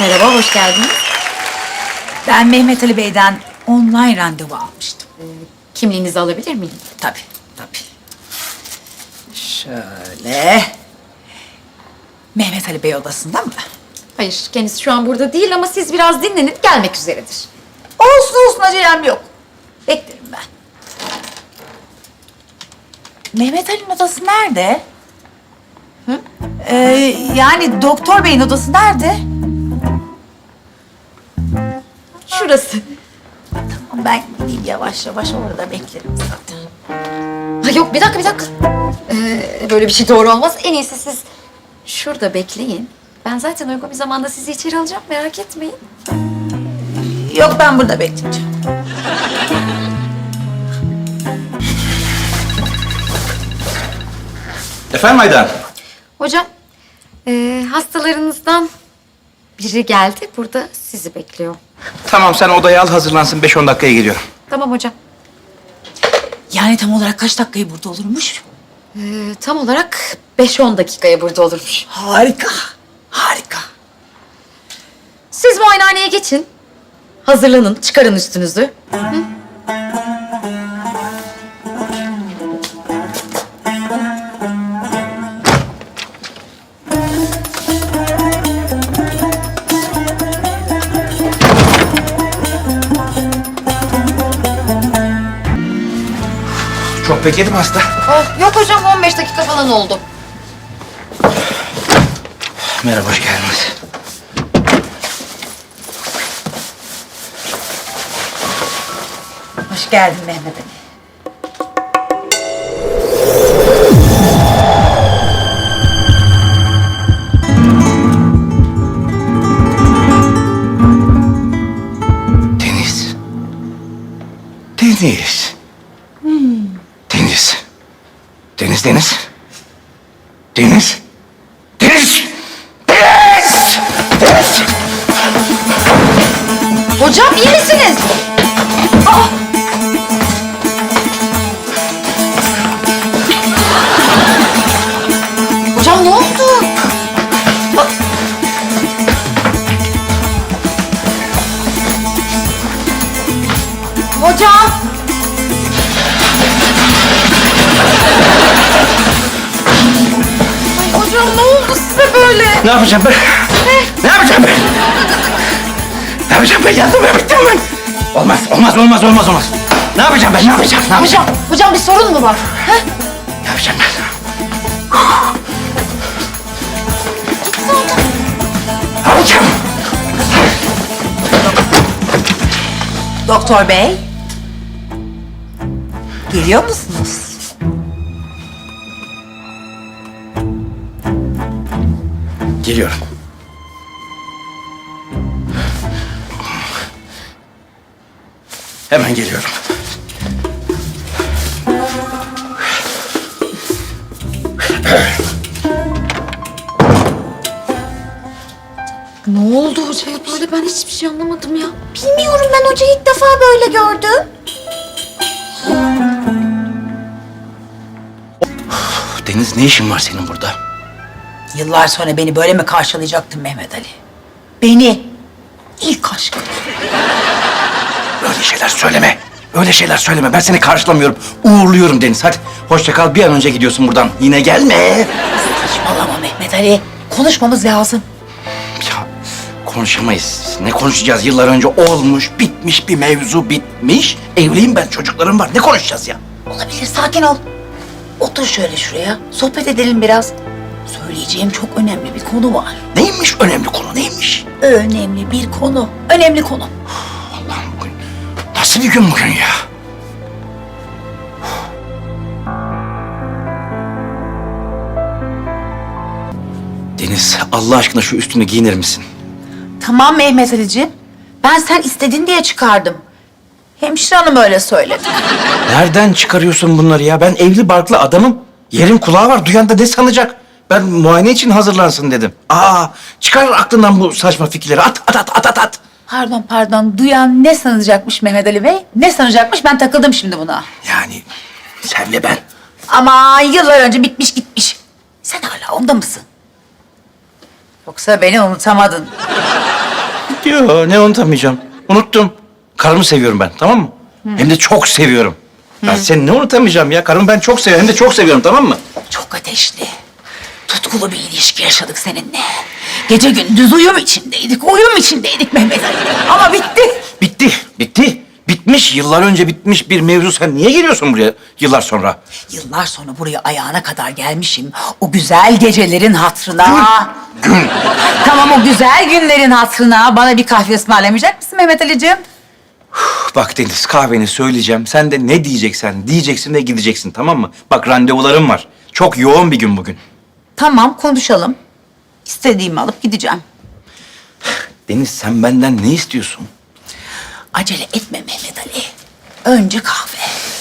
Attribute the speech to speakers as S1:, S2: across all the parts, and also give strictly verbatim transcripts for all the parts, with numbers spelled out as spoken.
S1: Merhaba, hoş geldiniz.
S2: Ben Mehmet Ali Bey'den online randevu almıştım.
S1: Kimliğinizi alabilir miyim?
S2: Tabii, tabii. Şöyle. Mehmet Ali Bey odasında mı?
S1: Hayır, kendisi şu an burada değil ama siz biraz dinlenip gelmek üzeredir.
S2: Olsun olsun, acelem yok. Beklerim ben. Mehmet Ali'nin odası nerede? Hı? Ee, yani doktor beyin odası nerede?
S1: Şurası.
S2: Tamam, ben gideyim yavaş yavaş, orada beklerim zaten.
S1: Ha yok, bir dakika, bir dakika. Ee, böyle bir şey doğru olmaz. En iyisi siz şurada bekleyin. Ben zaten uygun bir zamanda sizi içeri alacağım, merak etmeyin.
S2: Yok, ben burada bekleyeceğim.
S3: Efendim Aydan?
S1: Hocam, ee, hastalarınızdan biri geldi. Burada sizi bekliyor.
S3: Tamam, sen odayı al, hazırlansın. Beş on dakikaya geliyorum.
S1: Tamam hocam.
S2: Yani tam olarak kaç dakikayı burada olurmuş?
S1: Ee, tam olarak beş on dakikaya burada olurmuş.
S2: Harika, harika.
S1: Siz muayenehaneye geçin. Hazırlanın, çıkarın üstünüzü. Hı?
S3: Çok bekledim hasta.
S1: Oh, yok hocam, on beş dakika falan oldu.
S3: Merhaba, hoş geldiniz.
S2: Hoş geldin Mehmet Ali.
S3: Deniz. Deniz. Deniz. Deniz, Deniz. Deniz. Deniz. Deniz. Deniz.
S1: Hocam iyi misiniz? Aa! Hocam ne oldu? Bak. Hocam. Ay hocam ne oldu size böyle?
S3: Ne yapacağım ben? Ne yapacağım ben? Ne yapacağım ben? Yandım ben, bittim ben. Olmaz, olmaz, olmaz, olmaz, olmaz. Ne yapacağım ben? Ne yapacağım? Ne yapacağım?
S1: Hocam, hocam bir sorun mu var? Ha?
S3: Ne yapacağım ben? Ne yapacağım?
S2: Doktor Bey. Geliyor musunuz?
S3: Geliyorum. Hemen geliyorum.
S1: Ne oldu hocaya böyle? Ben hiçbir şey anlamadım ya.
S4: Bilmiyorum, ben hocayı ilk defa böyle gördüm.
S3: Deniz, ne işin var senin burada?
S2: Yıllar sonra beni böyle mi karşılayacaktın Mehmet Ali? Beni, ilk aşkım.
S3: Öyle şeyler söyleme. Öyle şeyler söyleme. Ben seni karşılamıyorum. Uğurluyorum Deniz. Hadi hoşça kal. Bir an önce gidiyorsun buradan. Yine gelme.
S2: Saçmalama Mehmet Ali. Konuşmamız lazım.
S3: Ya konuşamayız. Ne konuşacağız? Yıllar önce olmuş, bitmiş bir mevzu bitmiş. Evliyim ben, çocuklarım var. Ne konuşacağız ya?
S2: Olabilir, sakin ol. Otur şöyle şuraya, sohbet edelim biraz. Söyleyeceğim çok önemli bir konu var.
S3: Neymiş önemli konu? Neymiş?
S2: Önemli bir konu, önemli konu.
S3: Allah'ım, bugün nasıl bir gün bugün ya? Deniz, Allah aşkına şu üstünü giyinir misin?
S2: Tamam Mehmet Ali'ciğim. Ben sen istedin diye çıkardım. Hemşire hanım öyle söyledi.
S3: Nereden çıkarıyorsun bunları ya? Ben evli barklı adamım. Yerin kulağı var. Duyan da ne sanacak? Ben muayene için hazırlansın dedim. Aa, çıkar aklından bu saçma fikirleri. At, at, at, at, at, at.
S2: Pardon pardon, duyan ne sanacakmış Mehmet Ali Bey? Ne sanacakmış, ben takıldım şimdi buna.
S3: Yani senle ben.
S2: Ama yıllar önce bitmiş gitmiş. Sen hala onda mısın? Yoksa beni unutamadın.
S3: Yo, ne unutamayacağım. Unuttum. Karımı seviyorum ben, tamam mı? Hem de çok seviyorum. Ben seni ne unutamayacağım ya? Karımı ben çok seviyorum, hem de çok seviyorum, tamam mı?
S2: Çok ateşli, tutkulu bir ilişki yaşadık seninle. Gece gündüz uyum içindeydik, uyum içindeydik Mehmet Ali. Ama bitti.
S3: Bitti, bitti. Bitmiş, yıllar önce bitmiş bir mevzu. Sen niye geliyorsun buraya yıllar sonra?
S2: Yıllar sonra buraya ayağına kadar gelmişim. O güzel gecelerin hatırına.
S3: Gün.
S2: Tamam, o güzel günlerin hatırına bana bir kahve ısmarlamayacak mısın Mehmet Ali'ciğim?
S3: Bak Deniz, kahveni söyleyeceğim. Sen de ne diyeceksen diyeceksin ve gideceksin, tamam mı? Bak randevularım var. Çok yoğun bir gün bugün.
S2: Tamam, konuşalım. İstediğimi alıp gideceğim.
S3: Deniz, sen benden ne istiyorsun?
S2: Acele etme Mehmet Ali. Önce kahve.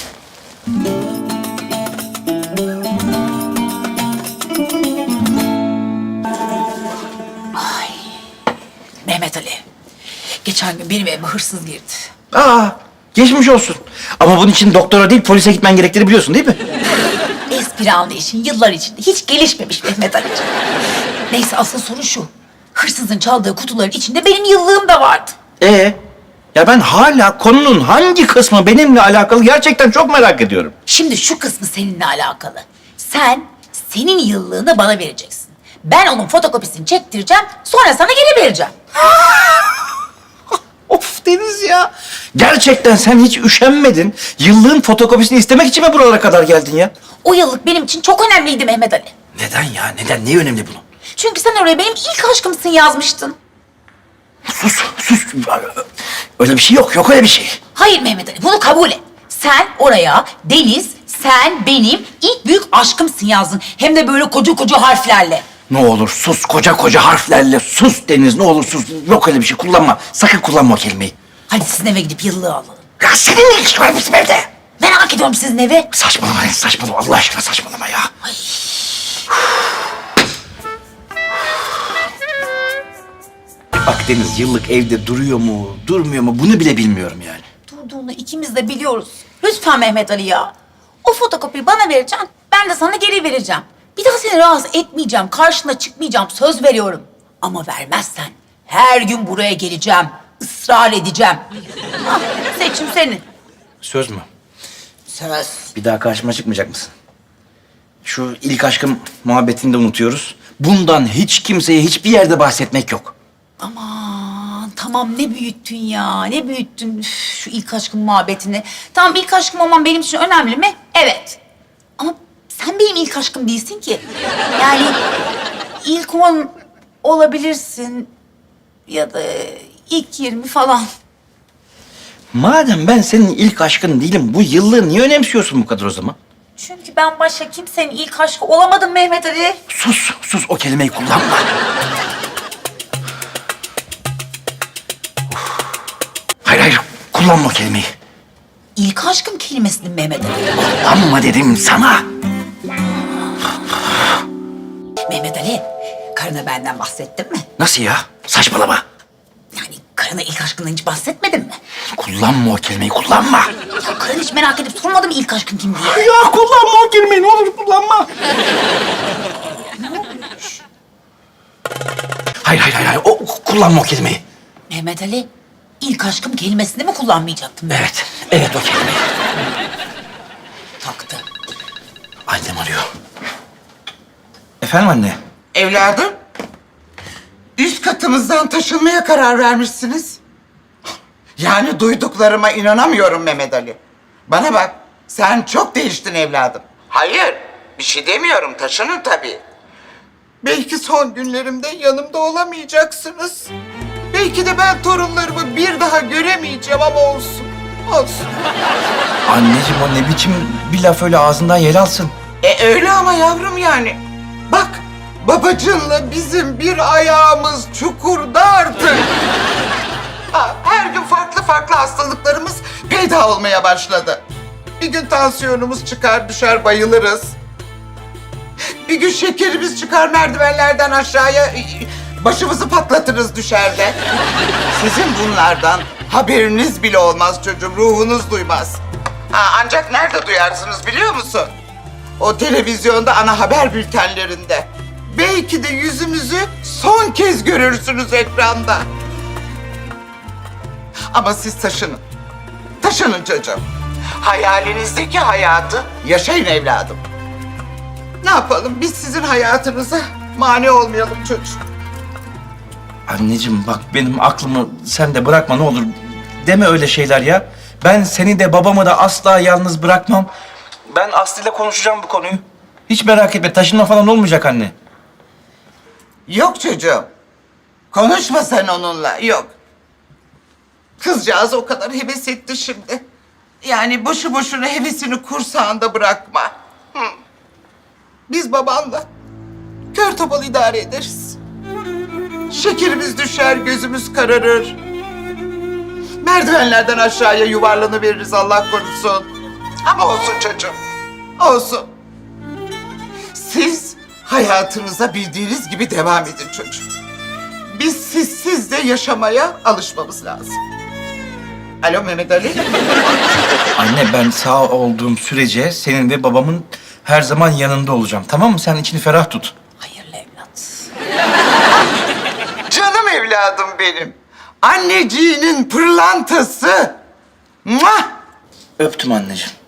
S2: Ay. Mehmet Ali. Geçen gün benim evime hırsız girdi.
S3: Aa, geçmiş olsun. Ama bunun için doktora değil, polise gitmen gerektiğini biliyorsun değil mi?
S2: Espri anlayışın yıllar içinde hiç gelişmemiş Mehmet Ali'ciğim. Neyse, asıl sorun şu. Hırsızın çaldığı kutuların içinde benim yıllığım da vardı.
S3: Ee, ya ben hala konunun hangi kısmı benimle alakalı gerçekten çok merak ediyorum.
S2: Şimdi şu kısmı seninle alakalı. Sen senin yıllığını bana vereceksin. Ben onun fotokopisini çektireceğim, sonra sana geri vereceğim.
S3: Of Deniz ya. Gerçekten sen hiç üşenmedin. Yıllığın fotokopisini istemek için mi buralara kadar geldin ya?
S2: O yıllık benim için çok önemliydi Mehmet Ali.
S3: Neden ya? Neden? Ne önemli bunun?
S2: Çünkü sen oraya benim ilk aşkımsın yazmıştın.
S3: Sus, sus. Öyle bir şey yok. Yok öyle bir şey.
S2: Hayır Mehmet Ali, bunu kabul et. Sen oraya Deniz, sen benim ilk büyük aşkımsın yazdın. Hem de böyle koca koca harflerle.
S3: Ne olur sus. Koca koca harflerle sus Deniz. Ne olur sus. Yok öyle bir şey. Kullanma. Sakın kullanma o kelimeyi.
S2: Hadi sizin eve gidip yıllığı alalım.
S3: Ya senin ne ilgisi var bizim evde?
S2: Merak ediyorum sizin evi.
S3: Saçmalama Deniz. Saçmalama. Allah aşkına saçmalama ya. Bak Deniz, yıllık evde duruyor mu, durmuyor mu bunu bile bilmiyorum yani.
S2: Durduğunu ikimiz de biliyoruz. Lütfen Mehmet Ali ya. O fotokopiyi bana vereceksin, ben de sana geri vereceğim. Bir daha seni rahatsız etmeyeceğim, karşına çıkmayacağım, söz veriyorum. Ama vermezsen her gün buraya geleceğim, ısrar edeceğim. Ah, seçim senin.
S3: Söz mü?
S2: Söz.
S3: Bir daha karşıma çıkmayacak mısın? Şu ilk aşkım muhabbetini de unutuyoruz. Bundan hiç kimseye hiçbir yerde bahsetmek yok.
S2: Aman tamam, ne büyüttün ya, ne büyüttün Üf, şu ilk aşkın muhabbetini. Tamam, ilk aşkım olman benim için önemli mi? Evet. Ama sen benim ilk aşkım değilsin ki. Yani ilk on olabilirsin ya da ilk yirmi falan.
S3: Madem ben senin ilk aşkın değilim, bu yıllığı niye önemsiyorsun bu kadar o zaman?
S2: Çünkü ben başka kimsenin ilk aşkı olamadım Mehmet Ali.
S3: Sus, sus o kelimeyi kullanma. Hayır, hayır, kullanma o kelimeyi.
S2: İlk aşkım kelimesini Mehmet Ali.
S3: Kullanma dedim sana.
S2: Mehmet Ali, karına benden bahsettin mi?
S3: Nasıl ya? Saçmalama.
S2: Yani karına ilk aşkından hiç bahsetmedin mi?
S3: Kullanma o kelimeyi, kullanma.
S2: Ya karın hiç merak edip sormadı mı ilk aşkın kim diye?
S3: Ya kullanma o kelimeyi, ne olur kullanma. Hayır, hayır, hayır, hayır. O, kullanma o kelimeyi.
S2: Mehmet Ali, ilk aşkım kelimesini mi kullanmayacaktım ben?
S3: Evet, evet o kelimeyi.
S2: Taktı.
S3: Annem arıyor. Efendim anne?
S5: Evladım, üst katımızdan taşınmaya karar vermişsiniz. Yani duyduklarıma inanamıyorum Mehmet Ali. Bana bak, sen çok değiştin evladım. Hayır, bir şey demiyorum, taşının tabii. Belki son günlerimde yanımda olamayacaksınız. Belki de ben torunlarımı bir daha göremeyeceğim ama olsun, olsun.
S3: Anneciğim o ne biçim bir laf öyle ağzından yel alsın.
S5: E öyle ama yavrum yani. Bak, babacınla bizim bir ayağımız çukurda artık. Ha, her gün farklı farklı hastalıklarımız peyda olmaya başladı. Bir gün tansiyonumuz çıkar düşer bayılırız. Bir gün şekerimiz çıkar merdivenlerden aşağıya başımızı patlatırız düşerde. Sizin bunlardan haberiniz bile olmaz çocuğum, ruhunuz duymaz. Ha, ancak nerede duyarsınız biliyor musun? O televizyonda ana haber bültenlerinde. Belki de yüzümüzü son kez görürsünüz ekranda. Ama siz taşının. Taşının çocuğum. Hayalinizdeki hayatı yaşayın evladım. Ne yapalım? Biz sizin hayatınıza mani olmayalım çocuğum.
S3: Anneciğim bak benim aklımı sen de bırakma ne olur. Deme öyle şeyler ya. Ben seni de babamı da asla yalnız bırakmam. Ben Aslı ile konuşacağım bu konuyu. Hiç merak etme taşınma falan olmayacak anne.
S5: Yok çocuğum. Konuşma sen onunla. Yok. Kızcağız o kadar heves etti şimdi. Yani boşu boşuna hevesini kursağında bırakma. Hı. Biz babanla kör topal idare ederiz. Şekerimiz düşer, gözümüz kararır. Merdivenlerden aşağıya yuvarlanıveririz Allah korusun. Ama olsun çocuğum, olsun. Siz hayatınıza bildiğiniz gibi devam edin çocuğum. Biz sizsiz de yaşamaya alışmamız lazım. Alo Mehmet Ali.
S3: Anne ben sağ olduğum sürece senin ve babamın her zaman yanında olacağım. Tamam mı? Sen içini ferah tut.
S2: Hayırlı evlat.
S5: Canım evladım benim. Anneciğinin pırlantası. Muah!
S3: Öptüm anneciğim.